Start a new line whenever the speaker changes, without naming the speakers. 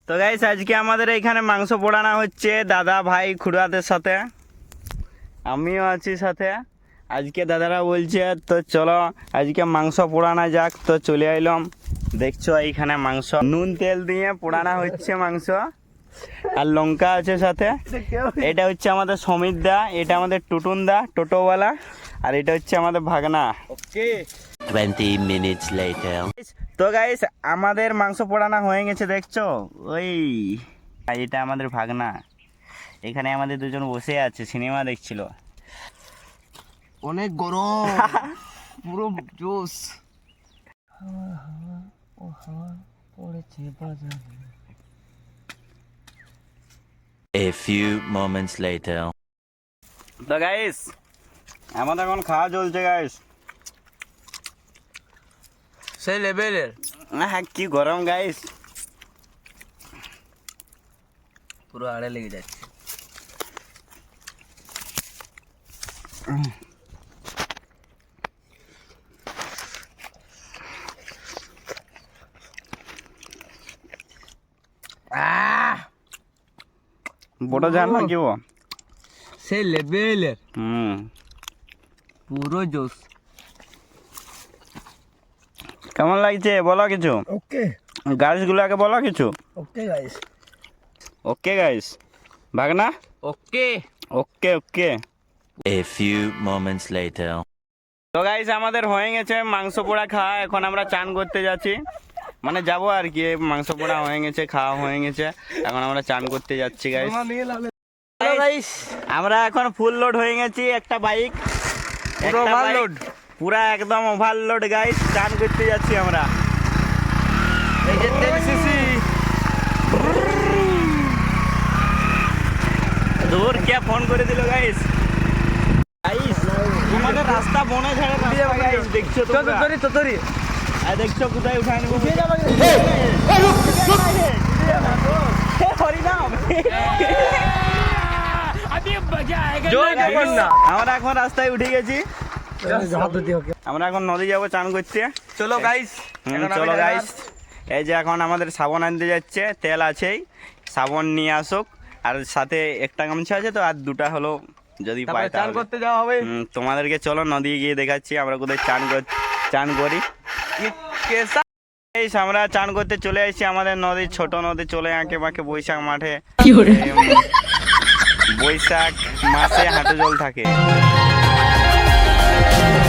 তো গাইস আজকে আমাদের এখানে মাংস পোড়ানো হচ্ছে দাদা ভাই খুড়াদের সাথে, আমিও আছি সাথে। আজকে দাদারা বলছে তো চলো আজকে মাংস পোড়ানো যাক, তো চলে আইলাম। দেখছো এইখানে মাংস নুন তেল দিয়ে পোড়ানো হচ্ছে মাংস, আর লঙ্কা আছে সাথে। এটা হচ্ছে আমাদের সমিত দা, এটা আমাদের টুটুন দা টোটোওয়ালা, আর এটা হচ্ছে আমাদের ভাগনা। Okay
20 minutes later.
তো গাইস আমাদের মাংস পোড়ানো হয়ে গেছে, দেখছো ওই এটা আমাদের ভাগনা। এখানে আমাদের দুজন বসে আছে, সিনেমা দেখছিল।
অনেক গরম পুরো জোস।
A few moments later.
তো গাইস আমাদের এখন খাওয়া চলছে গাইস।
সেই লেভেলের
হ্যাঁ কি গরম গাইস,
পুরো আড়ে লেগে যাচ্ছে।
বড় জান না কি ও?
সেই লেভেলের
পুরো জোস। কেমন লাগছে বলো কিছু,
ওকে
গাছগুলোকে বলো কিছু।
ওকে গাইস,
ওকে গাইস ভাগনা,
okay
okay okay.
A few moments later.
তো গাইস আমাদের হয়ে গেছে মাংস পোড়া খাওয়া, এখন আমরা চান করতে যাচ্ছি, মানে যাবো আর কি। মাংস পোড়া হয়ে গেছে, খাওয়া হয়ে গেছে, এখন আমরা চান করতে যাচ্ছি গাইস।
গাইস
আমরা এখন ফুল লোড হয়ে গেছি, একটা বাইক
পুরো ওভারলোড,
পুরা একদম ওভারলোড গাইস। চান করতে যাচ্ছি আমরা।
এই যে 10 সিসি
দূর কে ফোন করে দিল গাইস। গাইস আমাদের রাস্তা বনে ঝাড়ে রাস্তা গাইস, দেখছো তোমরা?
তোরি
আর দেখছো কোথায় উঠায় নেবো। আমরা এখন রাস্তায় উঠে গেছি, আমরা এখন নদী যাবো চান করতে।
চলো গাইস,
চলো গাইস। এই যে এখন আমাদের সাবান আনতে যাচ্ছে, তেল আছেই, সাবান নিয়ে আসুক, আর সাথে একটা গামছা আছে তো, আর দুটা হলো যদি পাই
চান করতে যাওয়া হবে।
তোমাদেরকে চলো নদী গিয়ে দেখাচ্ছি আমরা কোথায় চান করি। আমরা চান করতে চলে আসছি আমাদের নদী, ছোট নদী, চলে আঁকে বাঁকে বৈশাখ মাঠে। বৈশাখ মাসে হাঁটু জল থাকে।